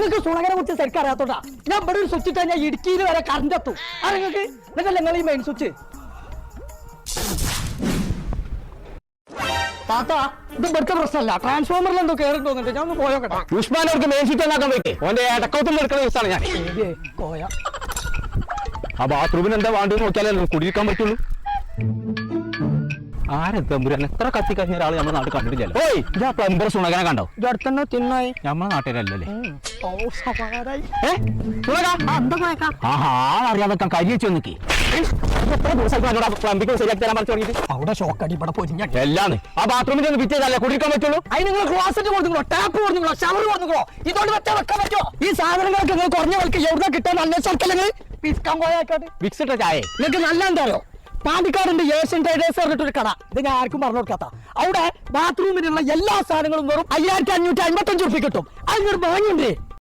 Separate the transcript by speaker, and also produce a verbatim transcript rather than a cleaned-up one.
Speaker 1: നിങ്ങൾക്ക് സുണകനെ കുറിച്ച് ശരിക്കും അറിയാത്തോട്ടാ. ഞാൻ ഇവിടെ ഒരു സ്വിച്ച് ഇട്ടാൽ ഞാൻ ഇടുക്കിയിൽ വരെ കറണ്ട് എത്തും. ആ നിങ്ങൾക്ക് എന്നിട്ടല്ല നിങ്ങൾ ഈ മെയിൻ സ്വിച്ച് താത്ത. ഇത് ഇവിടുത്തെ പ്രശ്നമല്ല, ട്രാൻസ്ഫോമറിൽ എന്തോ കയറി തോന്നുന്നുണ്ട്. ഞാൻ ഒന്ന് പോയോക്കട്ടെ.
Speaker 2: ഉസ്മാനവർക്ക് മെയിൻ സ്വിച്ച് ഉണ്ടാക്കാൻ പറ്റേ ഓന്റെ ഇടക്കൗത്തിൽ എടുക്കുന്ന ദിവസമാണ് ഞാൻ.
Speaker 1: കോയ
Speaker 2: ആ ബാത്റൂമിന് എന്താ വേണ്ടത് നോക്കിയാലേ കുടിയിരിക്കാൻ പറ്റുള്ളൂ. ആരെത്തമ്പുരാൻ എത്ര കത്തി കഴിഞ്ഞ ഒരാൾ നമ്മുടെ നാട്ടിൽ കണ്ടിട്ടില്ല. ഓയ് ഇതാ പ്ലംബർ സുണകനെ കണ്ടോ?
Speaker 1: ഇതടുത്തന്നെ തിന്നായി
Speaker 2: നമ്മളെ നാട്ടിലല്ലേ? അറിയാതെ കരി വെച്ച് നോക്കി പ്ലംബിംഗ് ശരിയാക്കി തരാൻ പറഞ്ഞു തുടങ്ങിയിട്ട്
Speaker 1: അവിടെ ഷോക്കടി ഇവിടെ പൊരിഞ്ഞ
Speaker 2: എല്ലാന്ന് ആ ബാത്റൂമിൽ ഒന്ന് ഫിറ്റ് ചെയ്തല്ലേ കുടിക്കാൻ പറ്റുള്ളൂ.
Speaker 1: അതിന് നിങ്ങൾ ക്ലോസറ്റ് കൊടുക്കുള്ളൂ, ടാപ്പ് കൊടുക്കുള്ളൂ, ഷവർ കൊടുക്കുള്ളൂ. ഇതോട് വെച്ചാൽ വെക്കാൻ പറ്റുമോ? ഈ സാധനങ്ങളൊക്കെ നിങ്ങൾ കുറഞ്ഞ വിലക്ക് എവിടെ കിട്ടാൻ അന്വേഷിച്ചല്ലേ വിസ്കാൻ പോയാക്കാട്ട്
Speaker 2: വിക്സിട്ട ചായ
Speaker 1: നിങ്ങൾക്ക് നല്ല എന്താ അറിയോ? പാണ്ടിക്കാടുണ്ട് ഏഷ്യൻ ട്രേഡേഴ്സ് പറഞ്ഞിട്ടൊരു കട. ഇത് ഞാൻ ആർക്കും പറഞ്ഞു കൊടുക്കാത്ത. അവിടെ ബാത്റൂമിനുള്ള എല്ലാ സാധനങ്ങളും വെറും അയ്യായിരത്തി അഞ്ഞൂറ്റി അമ്പത്തഞ്ച് റുപ്യ കിട്ടും. അതിനൊരു വാങ്ങിണ്ടേ